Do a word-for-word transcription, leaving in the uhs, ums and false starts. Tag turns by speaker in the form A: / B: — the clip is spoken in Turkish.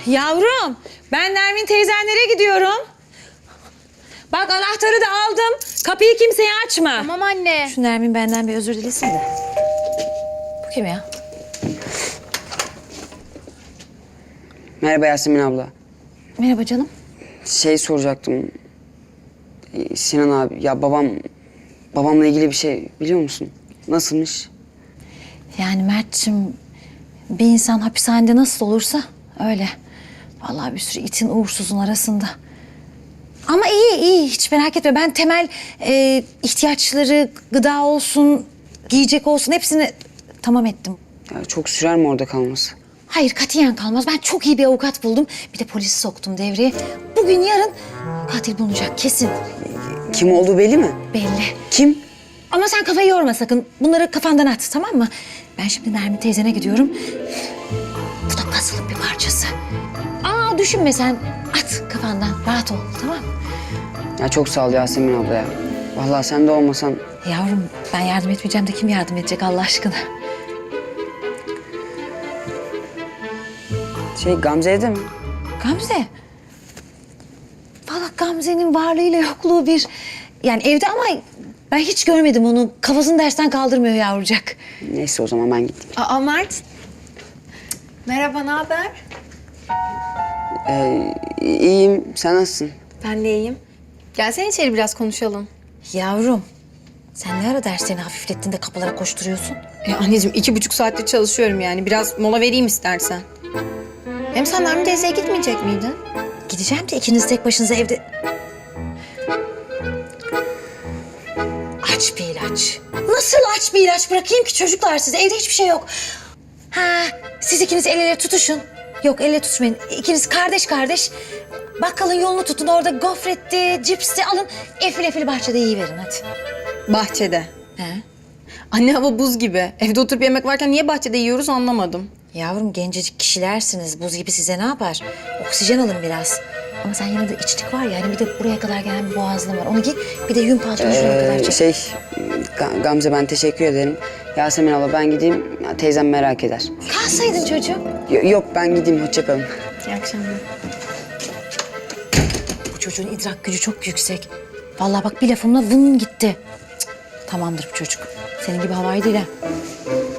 A: Yavrum, ben Nermin teyzenlere gidiyorum. Bak anahtarı da aldım. Kapıyı kimseye açma.
B: Tamam anne.
A: Şu Nermin benden bir özür dilesin de. Bu kim ya?
C: Merhaba Yasemin abla.
A: Merhaba canım.
C: Şey soracaktım. Ee, Sinan abi, ya babam... Babamla ilgili bir şey biliyor musun? Nasılmış?
A: Yani Mert'cim, bir insan hapishanede nasıl olursa öyle. Vallahi bir sürü itin uğursuzun arasında. Ama iyi iyi, hiç merak etme. Ben temel e, ihtiyaçları, gıda olsun, giyecek olsun hepsini tamam ettim.
C: Ya çok sürer mi orada kalması?
A: Hayır, katiyen kalmaz. Ben çok iyi bir avukat buldum. Bir de polisi soktum devreye. Bugün yarın katil bulunacak kesin.
C: Kim olduğu belli mi?
A: Belli.
C: Kim?
A: Ama sen kafayı yorma sakın. Bunları kafandan at, tamam mı? Ben şimdi Nermin teyzene gidiyorum. Bu da puzzle'ın bir parçası. Aa, düşünme sen. At kafandan. Rahat ol, tamam mı?
C: Ya çok sağ ol Yasemin abla ya. Vallahi sen de olmasan...
A: Yavrum, ben yardım etmeyeceğim de kim yardım edecek Allah aşkına?
C: Şey, Gamze evde mi?
A: Gamze. Vallahi Gamze'nin varlığıyla yokluğu bir... Yani evde ama ben hiç görmedim onu. Kafasını dersten kaldırmıyor yavrucak.
C: Neyse o zaman ben gittim.
B: Aa Mert. Merhaba, ne haber?
C: Ee, iyiyim, sen nasılsın?
B: Ben de iyiyim. Gelsene içeri biraz konuşalım.
A: Yavrum, sen ne ara derslerini hafiflettin de kapılara koşturuyorsun?
B: Ya anneciğim iki buçuk saattir çalışıyorum yani. Biraz mola vereyim istersen. Hem sen Nermin teyzeye gitmeyecek miydin?
A: Gideceğim de ikiniz tek başınıza evde... Aç bir ilaç. Nasıl aç bir ilaç bırakayım ki çocuklar size? Evde hiçbir şey yok. Ha, siz ikiniz el ele tutuşun. Yok, el ele tutuşmayın. İkiniz kardeş kardeş. Bakkalın yolunu tutun. Orada gofretti, cipsti alın. Efil efil bahçede yiyiverin hadi.
B: Bahçede.
A: He?
B: Anne hava buz gibi. Evde oturup yemek varken niye bahçede yiyoruz anlamadım.
A: Yavrum, gencecik kişilersiniz. Buz gibi size ne yapar? Oksijen alın biraz. Ama sen yine de içlik var ya, hani bir de buraya kadar gelen bir boğazlığın var. Onu giy, bir de yün paltonu şuraya kadar
C: Ee,
A: çek.
C: şey, Ga- Gamze ben teşekkür ederim. Yasemin abla ben gideyim, ya, teyzem merak eder.
A: Kalsaydın çocuğum.
C: Y- yok ben gideyim, hoşça kalın.
B: İyi akşamlar.
A: Bu çocuğun idrak gücü çok yüksek. Vallahi bak bir lafımla vın gitti. Cık, tamamdır bu çocuk. Senin gibi havai değil ha.